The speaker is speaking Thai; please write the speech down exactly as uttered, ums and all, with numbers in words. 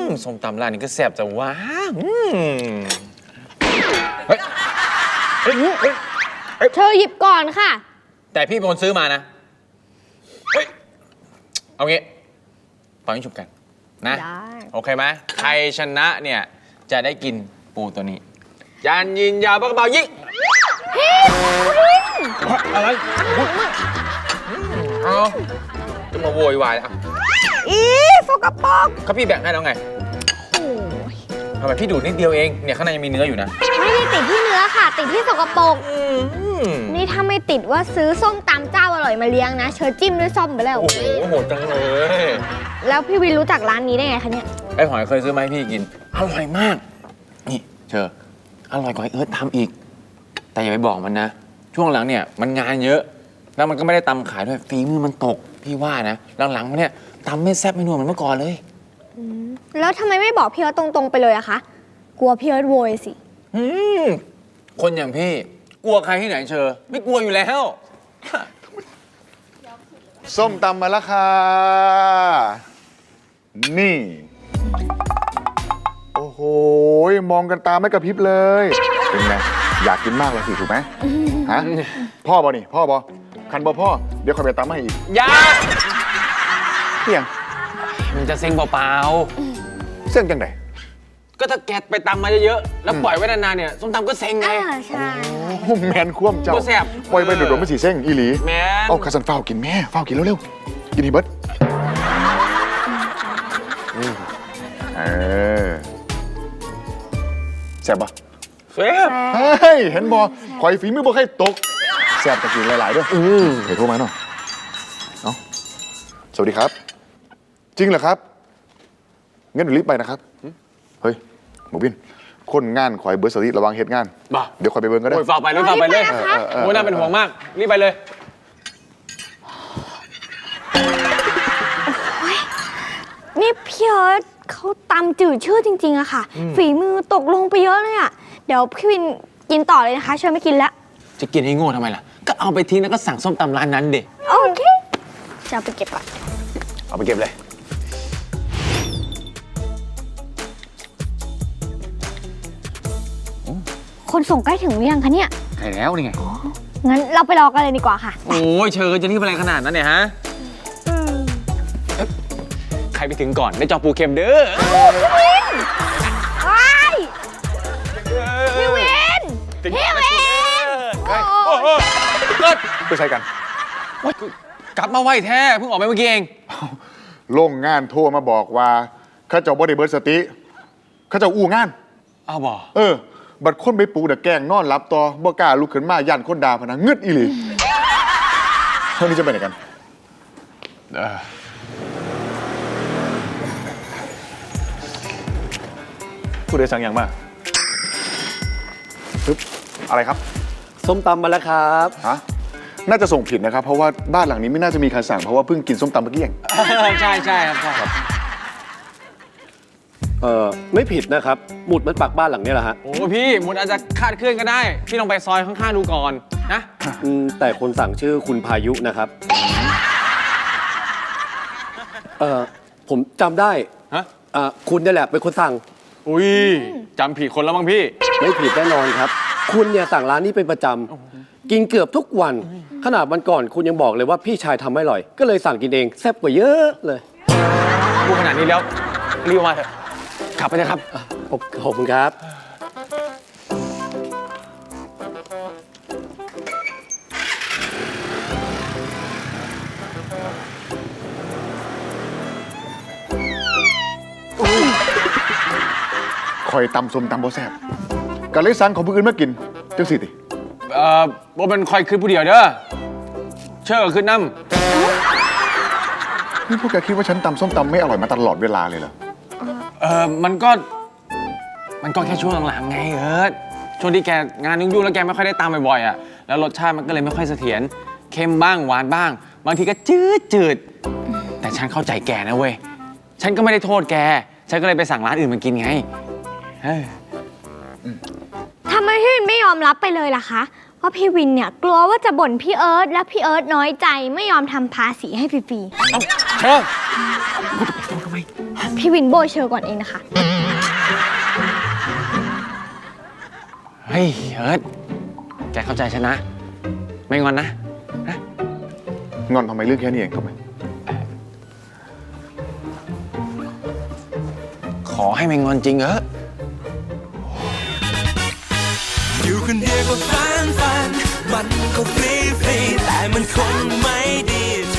ส้มตำร้านนี้ก็แซ่บจะว้าเฮ้ยเฮ้ยเฮ้ยเธอหยิบก่อนค่ะแต่พี่เป็นคนซื้อมานะเฮ้ยเอางี้ปล่อยให้ฉุบกันนะโอเคไหมใครชนะเนี่ยจะได้กินปูตัวนี้ยันยินยาวปากกระเป๋ายิงอะไรเอาจะมาโวยวายอ่ะอีสกปรกเขาพี่แบ่งให้แล้วไงทำไมพี่ดูดนิดเดียวเองเนี่ยข้างในยังมีเนื้ออยู่นะไม่ได้ติดที่เนื้อค่ะติดที่สกปรกนี่ถ้าไม่ติดว่าซื้อส้มตำเจ้าอร่อยมาเลี้ยงนะเชิญจิ้มด้วยส้มไปแล้วโอ้โหโหดจังเลยแล้วพี่วินรู้จักร้านนี้ได้ไงคะเนี่ยไอ้หอยเคยซื้อมาให้พี่กินอร่อยมากนี่เชออร่อยกว่าไอ้เอิร์ธทำอีกแต่อย่าไปบอกมันนะช่วงหลังเนี่ยมันงานเยอะแล้วมันก็ไม่ได้ตำขายด้วยฝีมือมันตกพี่ว่านะหลังๆมันเนี่ยตำไม่แซ่บไม่นัวเหมือนเมื่อก่อนเลยแล้วทำไมไม่บอกพี่เอิร์ธตรงๆไปเลยอะคะกลัวพี่เอิร์ธโวยสิคนอย่างพี่กลัวใครที่ไหนเชอไม่กลัวอยู่แล้วส้มตำมาแล้วค่ะนี่โอ้โหมองกันตาไม่กระพริบเลยเป็นไงอยากกินมากเลยสิถูกไหมฮะพ่อบอนี่พ่อบอคันบอพ่อเดี๋ยวคอยไปตำให้อีกยาเพียงมันจะเซ็งเปล่าๆเส้นจังไหนก็ถ้าแกไปตำมาเยอะๆแล้วปล่อยไว้นานๆเนี่ยส้มตำก็เซ็งไงใช่โอ้แมนคว่ำเจ้าก็แซ่บปล่อยไปโดดๆไม่สีเส้งอีหลีแมนเอาคาสันเฝ้ากินแม่เฝ้ากินเร็วๆกินอีเบิร์ดเออแซ่บปะแซ่บเฮ้ยเห็นบอคอยฝีมือบ่ใครตกแซ่บตะกินหลายๆด้วยเฮ้ยโทรมาหน่อยเอ้าสวัสดีครับจริงเหรอครับงั้นเดี๋ยวรีบไปนะครับเฮ้ยหมูบินคนงานคอยเบิร์ดสติระวังเหตุงานเดี๋ยวคอยไปเบิร์ก็ได้โอ้ยฝากไปเลยฝากไปเลยโอ้ยน่าเป็นห่วงมากรีบไปเลยนี่พี่เอิร์ธเขาตำจืดชื่อจริงๆอะค่ะฝีมือตกลงไปเยอะเลยอะเดี๋ยวพี่วินกินต่อเลยนะคะเชิญไม่กินแล้วจะกินให้โง่ทำไมล่ะก็เอาไปทิ้งแล้วก็สั่งส้มตำร้านนั้นเด็โอเคจะเอาไปเก็บก่อนเอาไปเก็บเลยคนส่งใกล้ถึงหรือยังคะเนี่ยใกล้แล้วนี่ไงงั้นเราไปรอกันเลยดีกว่าค่ะโอ้ยเชิญจะรีบอะไรขนาดนั้นเนี่ยฮะใครไปถึงก่อนได้จอปูเค็มเด้อพี่วินพี่วินเกิดไปใช้กันกลับมาไวแท้เพิ่งออกไปเมื่อกี้เองโรงงานโทรมาบอกว่าข้าเจ้าบ่ได้เบิร์ดสติข้าเจ้าอู้งานอ้าวบ่เออบัดคนไปปูแต่แกงนอนรับต่อบ่กล้าลุกขึ้นมายันคนด่าพนังงึดอีหลีเท่านี้จะไปไหนกันผู้โดยสารอย่างมากปึ๊บอะไรครับส้มตำมาแล้วครับฮะน่าจะส่งผิดนะครับเพราะว่าบ้านหลังนี้ไม่น่าจะมีใครสั่งเพราะว่าเพิ่งกินส้มตำเมื่อกี้เองใช่ใช่ครับใช่ครับเออไม่ผิดนะครับหมุดมันปักบ้านหลังนี้แหละฮะโอ้พี่หมุดอาจจะคาดเคลื่อนก็ได้พี่ลองไปซอยข้างๆดูก่อนนะแต่คนสั่งชื่อคุณพายุนะครับเออผมจำได้ฮะคุณนี่แหละเป็นคนสั่งอุ้ยจำผิดคนแล้วมั้งพี่ไม่ผิดแน่นอนครับคุณเนี่ยสั่งร้านนี้เป็นประจำกินเกือบทุกวันขนาดวันก่อนคุณยังบอกเลยว่าพี่ชายทำไม่อร่อยก็เลยสั่งกินเองแซ่บกว่าเยอะเลยพูดขนาดนี้แล้วรีบมาเถอะขับไปเลยครับขอบคุณครับคอยตำส้มตำบ่แซ่บก็เลยสั่งของผู้อื่นมากินจังสิติเอ่อบ่เป็นคอยขึ้นผู้เดียวเด้อเชื่อขึ้นน้ำนี่พวกแกคิดว่าฉันตำส้มตำไม่อร่อยมาตลอดเวลาเลยเหรอเออมันก็มันก็แค่ช่วงหลังๆไงเอิร์ธช่วงที่แกงานยุ่งๆแล้วแกไม่ค่อยได้ตามบ่อยๆอ่ะแล้วรสชาติมันก็เลยไม่ค่อยเสถียรเค็มบ้างหวานบ้างบางทีก็จืดจืดแต่ฉันเข้าใจแกนะเว้ยฉันก็ไม่ได้โทษแกฉันก็เลยไปสั่งร้านอื่นมากินไงทำไมพี่วินไม่ยอมรับไปเลยล่ะคะเพราะพี่วินเนี่ยกลัวว่าจะบ่นพี่เอิร์ธและพี่เอิร์ธน้อยใจไม่ยอมทำภาษีให้ฟรีๆเอ้าเชิญทำไมพี่วินโบยเชอร์ก่อนเองนะคะเฮ้ยเอิร์ธแกเข้าใจฉันนะ ไม่งอนนะงอนทำไมเรื่องแค่นี้เองทำไมขอให้ไม่งอนจริงเอออยู่คนเดียวก็ฟันฟันมันก็ฟรีฟรีแต่มันคงไม่ดี